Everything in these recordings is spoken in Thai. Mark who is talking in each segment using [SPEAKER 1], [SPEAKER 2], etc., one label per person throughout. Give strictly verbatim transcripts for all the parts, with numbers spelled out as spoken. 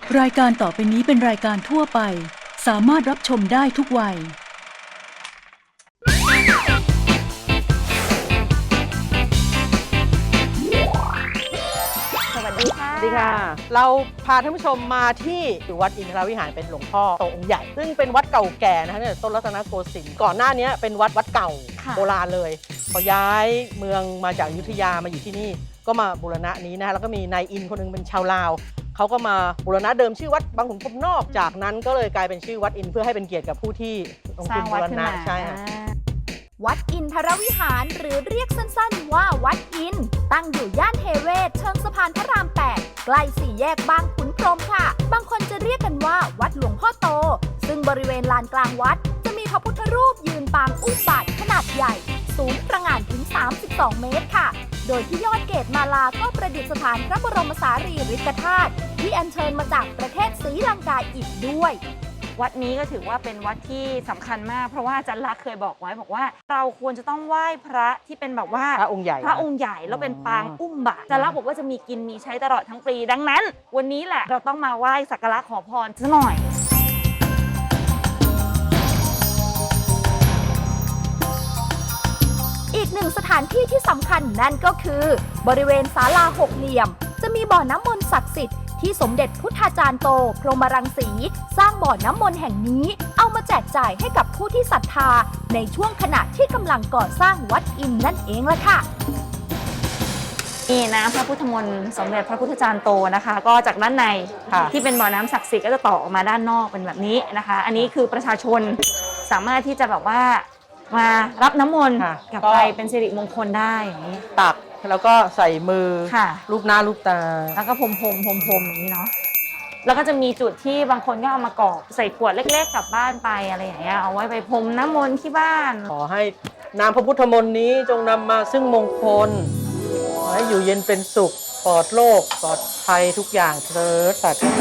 [SPEAKER 1] รายการต่อไปนี้เป็นรายการทั่วไปสามารถรับชมได้ทุกวัย
[SPEAKER 2] สวัสดีค่ะ
[SPEAKER 3] สวัสดีค่ะ เราพาท่านผู้ชมมาที่วัดอินทรวิหารเป็นหลวงพ่อโตองค์ใหญ่ซึ่งเป็นวัดเก่าแก่นะคะเนี่ยต้นรัตนโกสินทร์ก่อนหน้านี้เป็นวัดวัดเก่าโบราณเลยพอย้ายเมืองมาจากอยุธยามาอยู่ที่นี่ก็มาบูรณะนี้นะคะแล้วก็มีนายอินคนนึงเป็นชาวลาวเขาก็มาบูรณะเดิมชื่อวัดบางขุนพรหมนอกจากนั้นก็เลยกลายเป็นชื่อวัดอินเพื่อให้เป็นเกียรติกับผู้ที่ลงทุนบูรณะใช่ค่ะ
[SPEAKER 2] วัดอินทรวิหารหรือเรียกสั้นๆว่าวัดอินตั้งอยู่ย่านเทเวศเชิงสะพานพระรามแปดใกล้สี่แยกบางขุนพรหมค่ะบางคนจะเรียกกันว่าวัดหลวงพ่อโตซึ่งบริเวณลานกลางวัดจะมีพระพุทธรูปยืนปางอุ้มบาทขนาดใหญ่สูงประหง่านถึงสามสิบสองเมตรค่ะโดยที่ยอดเกศมาลาก็ประดิษฐานพระบรมสารีริกธาตุที่อัญเชิญมาจากประเทศศรีลังกาอีกด้วย
[SPEAKER 4] วัดนี้ก็ถือว่าเป็นวัดที่สำคัญมากเพราะว่าอาจารย์ลักษณ์เคยบอกไว้บอกว่าเราควรจะต้องไหว้พระที่เป็นแบบว่า
[SPEAKER 3] พระองค์ใหญ่
[SPEAKER 4] พระองค์ใหญ่แล้วเป็นปางอุ้มบาตรอาจารย์ลักษณ์บอกว่าจะมีกินมีใช้ตลอดทั้งปีดังนั้นวันนี้แหละเราต้องมาไหว้สักการะขอพรซะหน่อย
[SPEAKER 2] อีกหนึ่งสถานที่ที่สำคัญนั่นก็คือบริเวณศาลาหกเหลี่ยมจะมีบ่อน้ำมนต์ศักดิ์สิทธิ์ที่สมเด็จพุทธาจารย์โตพรหมรังสีสร้างบ่อน้ำมนต์แห่งนี้เอามาแจกจ่ายให้กับผู้ที่ศรัทธาในช่วงขณะที่กำลังก่อสร้างวัดอินนั่นเองล่ะค่ะ
[SPEAKER 4] นี่นะพระพุทธมนต์สมเด็จพระพุทธจารย์โตนะคะก็จากด้านในที่เป็นบ่อน้ำศักดิ์สิทธิ์ก็จะต่อออกมาด้านนอกเป็นแบบนี้นะคะอันนี้คือประชาชนสามารถที่จะแบบว่ามารับน้ำมนต์กลับไปเป็นสิริมงคลได้อย่างนี้
[SPEAKER 3] ตักแล้วก็ใส่มือรูปหน้ารูปตา
[SPEAKER 4] แล้วก็พรมพรมพรมพรมอย่างนี้เนาะแล้วก็จะมีจุดที่บางคนก็เอามากรอกใส่ขวดเล็กๆกลับบ้านไปอะไรอย่างเงี้ยเอาไว้ไปพรมน้ำมนต์ที่บ้าน
[SPEAKER 3] ขอให้นามพระพุทธมนต์นี้จงนำมาซึ่งมงคลขอให้อยู่เย็นเป็นสุขปลอดโรคปลอดภัยทุกอย่างเถิดสาธุ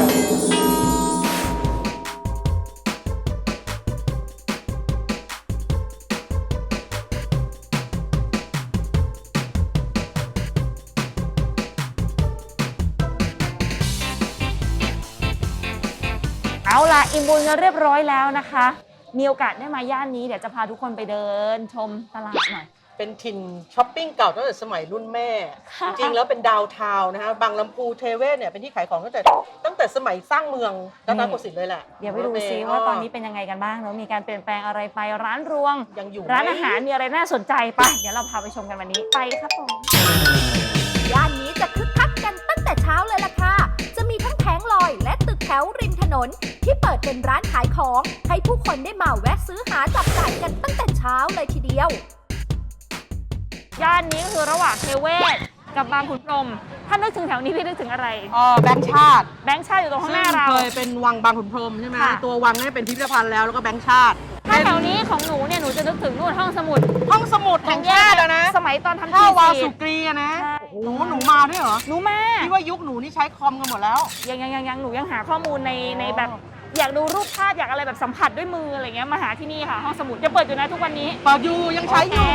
[SPEAKER 4] เอาล่ะอิ่มบุญกันเรียบร้อยแล้วนะคะมีโอกาสได้มาย่านนี้เดี๋ยวจะพาทุกคนไปเดินชมตลาดหน่อย
[SPEAKER 3] เป็นถิ่นช้อปปิ้งเก่าตั้งแต่สมัยรุ่นแม่จริงๆแล้วเป็นดาวทาวน์นะคะบางลำพูเทเวศเนี่ยเป็นที่ขายของตั้งแต่ตั้งแต่สมัยสร้างเมืองรัตนโกสินทร์เลยแหละ
[SPEAKER 4] เดี๋ยวไปดูซิว่าตอนนี้เป็นยังไงกันบ้างแล้วมีการเปลี่ยนแปลงอะไรไปร้านรวง
[SPEAKER 3] ยังอยู่
[SPEAKER 4] ร้านอาหารมีอะไรน่าสนใจไปเดี๋ยวเราพาไปชมกันวันนี้ไปครับผม
[SPEAKER 2] ย่านนี้จะคึกคักกันตั้งแต่เช้าเลยล่ะค่ะจะมีทั้งแผงลอยและตึกแถวริมถนนที่เปิดเป็นร้านขายของให้ผู้คนได้มาแวะซื้อหาจับจ่ายกันตั้งแต่เช้าเลยทีเดียว
[SPEAKER 4] ย่านนี้ก็คือระหว่างเทเวศกับบางขุนพรหมถ้านึกถึงแถวนี้พี่นึกถึงอะไร
[SPEAKER 3] อ๋อแบงค์ชาติ
[SPEAKER 4] แบงค์ชาติอยู่ตรงข้างหน้าเรา
[SPEAKER 3] เคยเป็นวังบางขุนพรหมใช่ไหมตัววังนี่เป็นพิพิธภัณฑ์แล้วแล้วก็แบงค์ชาติ
[SPEAKER 4] ถ้าแถวนี้ของหนูเนี่ยหนูจะนึกถึงนู่นห้องสมุด
[SPEAKER 3] ห้องสมุดแห่งชาตินะ
[SPEAKER 4] สมัยตอนทำ
[SPEAKER 3] ทีวาสุกรีนะโอ้โหหนูมาด้วยเหรอ
[SPEAKER 4] หนูมา
[SPEAKER 3] ที่ว่ายุคหนูนี่ใช้คอมกันหมดแล้ว
[SPEAKER 4] ยังยังยังยังหนูยังหาข้อมูลในในแบบอยากดูรูปภาพอยากอะไรแบบสัมผัสด้วยมืออะไรเงี้ยมาหาที่นี่ค่ะห้องสมุดจะเปิดอยู่นะทุกวันนี้
[SPEAKER 3] เปิดอยู่ยังใช้อยู่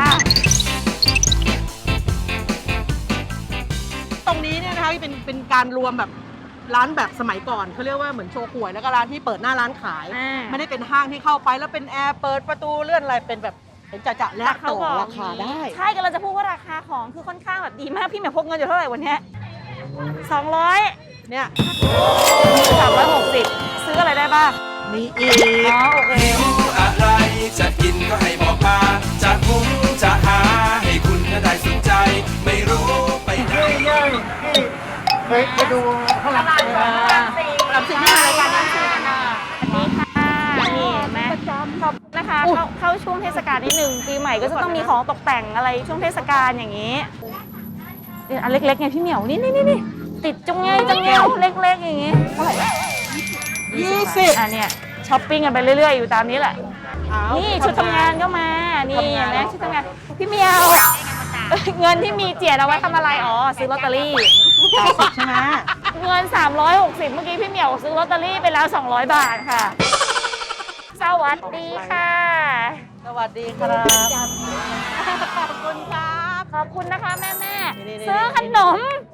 [SPEAKER 3] ตรงนี้เนี่ยนะคะเป็นเป็นการรวมแบบร้านแบบสมัยก่อนเขาเรียกว่าเหมือนโชว์หวยแล้วก็ร้านที่เปิดหน้าร้านขายไม่ได้เป็นห้างที่เข้าไปแล้วเป็นแอร์เปิดประตูเลื่อนอะไรเป็นแบบเป็นจะจะและต่อราคาได้
[SPEAKER 4] ใช่กันเราจะพูดว่าราคาของคือค่อนข้างแบบดีมากพี่เหมียวพกเงินอยู่เท่าไหร่วันนี้สองร้อย
[SPEAKER 3] เนี่ย
[SPEAKER 4] สามร้อยหกสิบซื้ออะไรได้บ้าง
[SPEAKER 3] มีอีก
[SPEAKER 4] อ๋อโอเค
[SPEAKER 5] อะไรจะกินก็ให้บอกมาจะคุ้มจะหาให้คุณได้สนใจไม่รู้ไปไหน
[SPEAKER 3] ไปไปดูข้างหลังหลังสิ่งที่รายการนี้คือ
[SPEAKER 4] อันนี้ค่ะนี่แม่ขอบนะคะเข้าเข้าช่วงเทศกาลนิดหนึ่งปีใหม่ก็จะต้องมีของตกแต่งอะไรช่วงเทศกาลอย่างนี้อันเล็กๆไงพี่เหมียวนี่นี่นี่ติดจงเงยจงเงยเล็กๆอย่างนี้เท่าไหร่
[SPEAKER 3] ยี่สิบ
[SPEAKER 4] อ่ะเนี่ยช้อปปิ้งกันไปเรื่อยๆอยู่ตามนี้แหละนี่ชุดทำงานก็มานี่แม่ชุดทำงานพี่เหมียวเงินที่มีเจียดเอาไว้ทำอะไรอ๋อซื้อลอตเตอรี่
[SPEAKER 3] ใช่ไหม
[SPEAKER 4] เงินสามร้อยหกสิบเมื่อกี้พี่เหมียวซื้อลอตเตอรี่ไปแล้วสองร้อยบาทค่ะสวัสดีค่ะ
[SPEAKER 3] สวัสดีครับขอบคุณครับ
[SPEAKER 4] ขอบคุณนะคะแม่แม่ซื้อขนม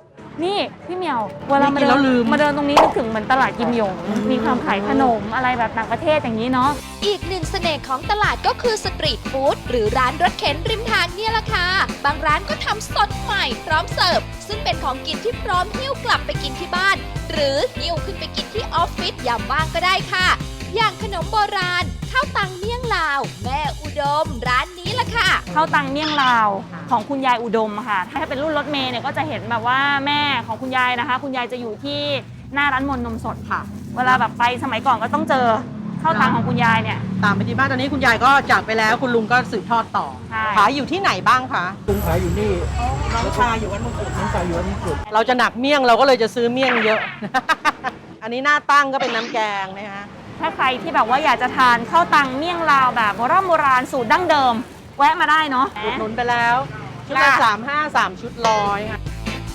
[SPEAKER 4] นี่พี่เหมียวเวลามา
[SPEAKER 3] กิน
[SPEAKER 4] เดิ
[SPEAKER 3] แล้ว
[SPEAKER 4] น
[SPEAKER 3] ลืม
[SPEAKER 4] มาเดินตรงนี้นึกถึงเหมือนตลาดกิมหยง มีความขายขนมอะไรแบบต่างประเทศอย่างนี้เนาะ
[SPEAKER 2] อีกหนึ่งเสน่ห์ของตลาดก็คือสตรีทฟู้ดหรือร้านรถเข็นริมทางเนี่ยละค่ะ บางร้านก็ทำสดใหม่พร้อมเสิร์ฟ ซึ่งเป็นของกินที่พร้อมหิ้วกลับไปกินที่บ้าน หรือหิ้วขึ้นไปกินที่ออฟฟิศยามว่างก็ได้ค่ะ อย่างขนมโบราณข้าวตังเมี่ยงลาว แม่อุดม ร้านนี้ละค่ะ
[SPEAKER 4] ข้าวตังเมี่ยงลาวของคุณยายอุดมค่ะ ถ้าเป็นรุ่นรถเมย์เนี่ยก็จะเห็นแบบว่าแม่ของคุณยายนะคะ คุณยายจะอยู่ที่หน้าร้านมนต์นมสดค่ะ เวลาแบบไปสมัยก่อนก็ต้องเจอข้าวตังของคุณยายเนี่ย
[SPEAKER 3] ตามไปที่บ้านตอนนี้คุณยายก็จากไปแล้วคุณลุงก็สืบทอดต่อ
[SPEAKER 4] ใช่
[SPEAKER 3] ขายอยู่ที่ไหนบ้างคะ
[SPEAKER 6] ลุงขายอยู่นี่
[SPEAKER 3] น้องชายอยู่วัดมงกุฎ
[SPEAKER 6] น้องชายอยู่วัดมงกุฎ
[SPEAKER 3] เราจะหนักเมี่ยงเราก็เลยจะซื้อเมี่ยงเยอะ อันนี้หน้าตั้งก็เป็นน้ำแกงนะฮะ
[SPEAKER 4] ถ้าใครที่แบบว่าอยากจะทานข้าวตังเมี่ยงลาวแบบโบราณโบราณสูตรดั้งเดิม แวะมาได้เนาะ
[SPEAKER 3] อุดหนุนไปแล้ว ชุดละ
[SPEAKER 4] ค่ะ
[SPEAKER 3] สามห้าสามชุดร้อยค่ะ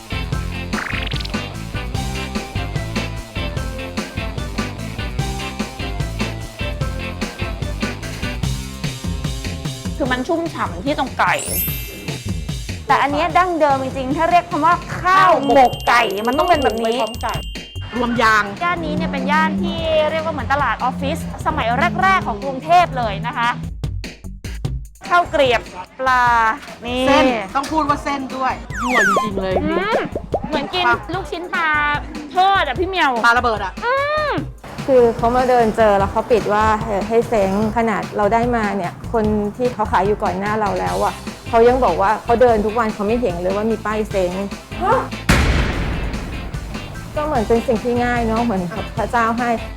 [SPEAKER 4] คือมันชุ่มฉ่ำที่ตรงไก่ แต่อันเนี้ยดั้งเดิมจริงๆ ถ้าเรียกคำว่าข้าวหมกไก่ มันต้องเป็นแบบนี้
[SPEAKER 3] พร้อมไก่รวมยาง
[SPEAKER 4] ย่านนี้เนี่ยเป็นย่านที่เรียกว่าเหมือนตลาดออฟฟิศสมัยแรก ๆ ของกรุงเทพเลยนะคะข้าวเกรียบปลา นี่
[SPEAKER 3] เส้นต้องพูดว่าเส้นด้วยยั่วจริงๆเลย
[SPEAKER 4] อืมเหมือนกินลูกชิ้นปลาทอดอะพี่เหมียว
[SPEAKER 3] ปลาระเบิดอ่ะ
[SPEAKER 7] คือเขามาเดินเจอแล้วเขาปิดว่าเออให้เซ้งขนาดเราได้มาเนี่ยคนที่เขาขายอยู่ก่อนหน้าเราแล้วอ่ะเขายังบอกว่าเขาเดินทุกวันเขาไม่เห็นเลยว่ามีป้ายเซ้งก็เหมือนเป็นสิ่งที่ง่ายเนาะเหมือนพระเจ้าให้